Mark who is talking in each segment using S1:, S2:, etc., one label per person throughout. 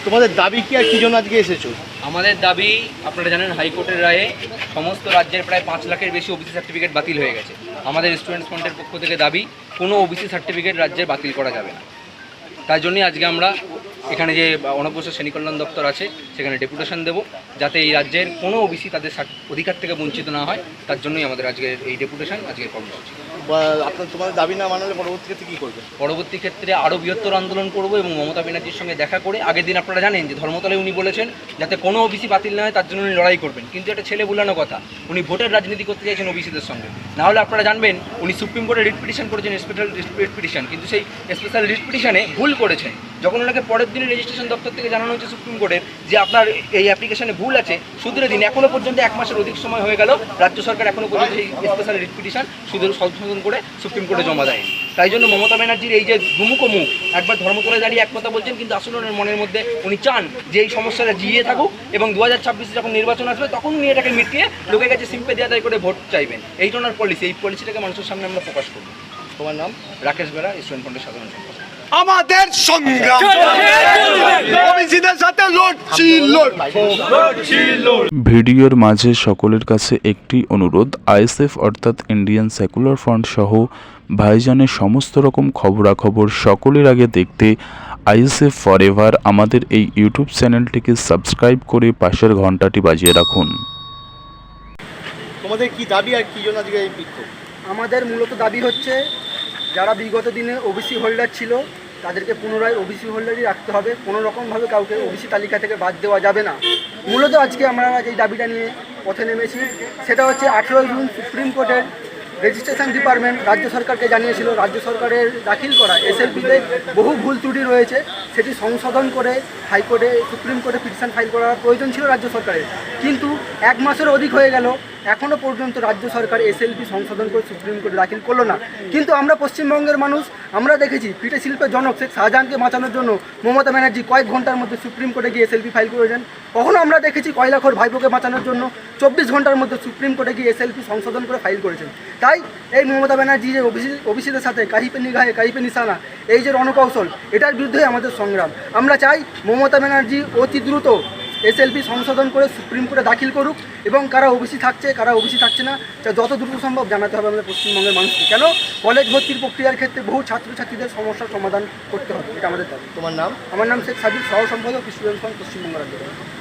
S1: তোমাদের দাবি কি আর কি জন্য আজকে এসেছো?
S2: আমাদের দাবি, আপনারা জানেন হাইকোর্টের রায়ে সমস্ত রাজ্যের প্রায় 5 লাখের বেশি ওবিসি সার্টিফিকেট বাতিল হয়ে গেছে। আমাদের স্টুডেন্টস ফ্রন্টের পক্ষ থেকে দাবি, কোনো ওবিসি সার্টিফিকেট রাজ্যের বাতিল করা যাবে না। তাই জন্যই আজকে আমরা এখানে যে অনগ্রসর শ্রেণী কল্যাণ দপ্তর আছে সেখানে ডেপুটেশন দেব, যাতে এই রাজ্যের কোনো ওবিসি তাদের অধিকার থেকে বঞ্চিত না হয়। তার জন্যই আমাদের আজকের এই ডেপুটেশন, আজকের কর্মসূচি।
S1: তোমাদের দাবি না মানলে পরবর্তী ক্ষেত্রে কী করবে?
S2: পরবর্তী ক্ষেত্রে আরও বৃহত্তর আন্দোলন করব এবং মমতা ব্যানার্জির সঙ্গে দেখা করে, আগের দিন আপনারা জানেন যে ধর্মতলে উনি বলেছেন যাতে কোনো ওবিসি বাতিল না হয় তার জন্য উনি লড়াই করবেন, কিন্তু এটা ছেলে বুলানো কথা। উনি ভোটের রাজনীতি করতে চাইছেন ওবিসিদের সঙ্গে। নাহলে আপনারা জানবেন উনি সুপ্রিম কোর্টে রিট পিটিশন করেছেন, স্পেশাল রিট পিটিশন, কিন্তু সেই স্পেশাল রিট পিটিশনে ভুল করেছেন। যখন ওনাকে পরের দিনে রেজিস্ট্রেশন দপ্তর থেকে জানানো হচ্ছে সুপ্রিম কোর্টের যে আপনার এই অ্যাপ্লিকেশনে ভুল আছে, শুধরে দিন, এখনও পর্যন্ত 1 মাসের অধিক সময় হয়ে গেল, রাজ্য সরকার এখনও পর্যন্ত এই স্পেশাল রিট পিটিশন সংশোধন করে সুপ্রিম কোর্টে জমা দেয়। তাই জন্য মমতা ব্যানার্জির এই যে দুমুখ মুখ, একবার ধর্মতলায় দাঁড়িয়ে এক কথা বলছেন, কিন্তু আসলে ওনার মনের মধ্যে উনি চান যে এই সমস্যাটা জিয়ে থাকুক এবং 2026 যখন নির্বাচন আসবে তখন উনি এটাকে মিটিয়ে লোকের কাছে সিম্পেথি আদায় করে ভোট চাইবেন। এইটা ওনার পলিসি, এই পলিসিটাকে মানুষের সামনে আমরা প্রকাশ করব।
S1: তোমার নাম?
S2: রাকেশ বেরা, স্টুডেন্ট ফ্রন্টের সাধারণ সম্পাদক।
S3: আমাদের সংগ্রাম ওবিসিদের সাথে লড়ছি।
S4: ভিডিওর মাঝে সকলের কাছে একটি অনুরোধ, আইএসএফ অর্থাৎ ইন্ডিয়ান সেকুলার ফ্রন্ট সহ ভাইজানের সমস্ত রকম খবরাখবর সকলের আগে দেখতে আইএসএফ ফরএভার আমাদের এই ইউটিউব চ্যানেলটিকে সাবস্ক্রাইব করে পাশের ঘন্টাটি বাজিয়ে রাখুন।
S1: তোমাদের কি দাবি আর কি জন্য আজকে এই বিক্ষোভ?
S5: আমাদের মূলত দাবি হচ্ছে, যারা বিগত দিনে ওবিসি হোল্ডার ছিল তাদেরকে পুনরায় ওবিসি হোল্ডারই রাখতে হবে, কোনো রকমভাবে কাউকে ওবিসি তালিকা থেকে বাদ দেওয়া যাবে না। মূলত আজকে আমরা যেই দাবিটা নিয়ে পথে নেমেছি সেটা হচ্ছে 18 জুন সুপ্রিম কোর্টের রেজিস্ট্রেশন ডিপার্টমেন্ট রাজ্য সরকারকে জানিয়েছিল রাজ্য সরকারের দাখিল করা এসএলপিতে বহু ভুল ত্রুটি রয়েছে, সেটি সংশোধন করে হাইকোর্টে সুপ্রিম কোর্টে পিটিশন ফাইল করার প্রয়োজন ছিল রাজ্য সরকারের। কিন্তু 1 মাসের অধিক হয়ে গেল, এখনও পর্যন্ত রাজ্য সরকার এসএলপি সংশোধন করে সুপ্রিম কোর্টে দাখিল করলো না। কিন্তু আমরা পশ্চিমবঙ্গের মানুষ, আমরা দেখেছি পিঠে শিল্পের জনক শেখ শাহজাহানকে বাঁচানোর জন্য মমতা ব্যানার্জি কয়েক ঘন্টার মধ্যে সুপ্রিম কোর্টে গিয়ে এসএলপি ফাইল করেছেন। কখনো আমরা দেখেছি কয়লাখোর ভাইপোকে বাঁচানোর জন্য 24 ঘন্টার মধ্যে সুপ্রিম কোর্টে গিয়ে এসএলপি সংশোধন করে ফাইল করেছেন। তাই এই মমতা ব্যানার্জি যে ওবিসিদের সাথে কাহিপে নিগাহে কাহিপে নিশানা, এই যে রণকৌশল, এটার বিরুদ্ধে আমাদের সংগ্রাম। আমরা চাই মমতা ব্যানার্জি অতি দ্রুত এসএলপি সংশোধন করে সুপ্রিম কোর্টে দাখিল করুক এবং কারা ওবিসি থাকছে কারা ওবিসি থাকছে না যত দ্রুত সম্ভব জানাতে হবে আমাদের পশ্চিমবঙ্গের মানুষকে। কেন কলেজ ভর্তির প্রক্রিয়ার ক্ষেত্রে বহু ছাত্রছাত্রীদের সমস্যার সমাধান করতে হবে, এটা আমাদের দাবি।
S1: তোমার নাম?
S5: আমার নাম শেখ সাবির, সহ সম্পাদক স্টুডেন্ট ফ্রন্ট পশ্চিমবঙ্গ রাজ্য।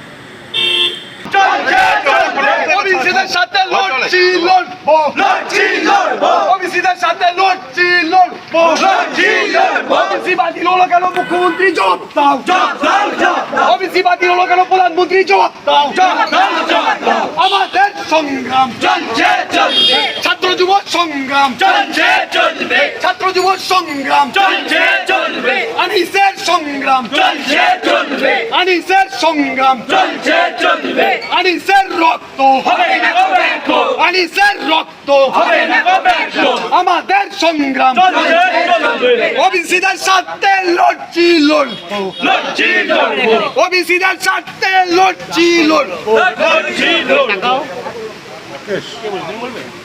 S3: ওবিসিদের সাথে লড়ছি, লড়বো, ওবিসিদের সাথে লড়ছি, লড়বো, ওবিসি বাতিল হলো কেন মুখ্যমন্ত্রী জবাব দাও, ওবিসি বাতিল হলো কেন প্রধানমন্ত্রী জবাব দাও। আমাদের সংগ্রাম চলছে চলবে, ছাত্র যুব সংগ্রাম চলছে চলবে, ছাত্র যুব সংগ্রাম চলছে চলবে, আনিসের সংগ্রাম চলছে চলবে, আনিসের সংগ্রাম চলছে চলবে, আনিসের রক্ত হবে না গো ব্যর্থ, আনিসের রক্ত হবে না গো ব্যর্থ। আমাদের সংগ্রাম চলছে চলবে, ওবিসিদের সাথে লড়ছি, লড়বো, লড়ছি লড়বো, ওবিসিদের সাথে লড়ছি, লড়বো, লড়ছি লড়বো।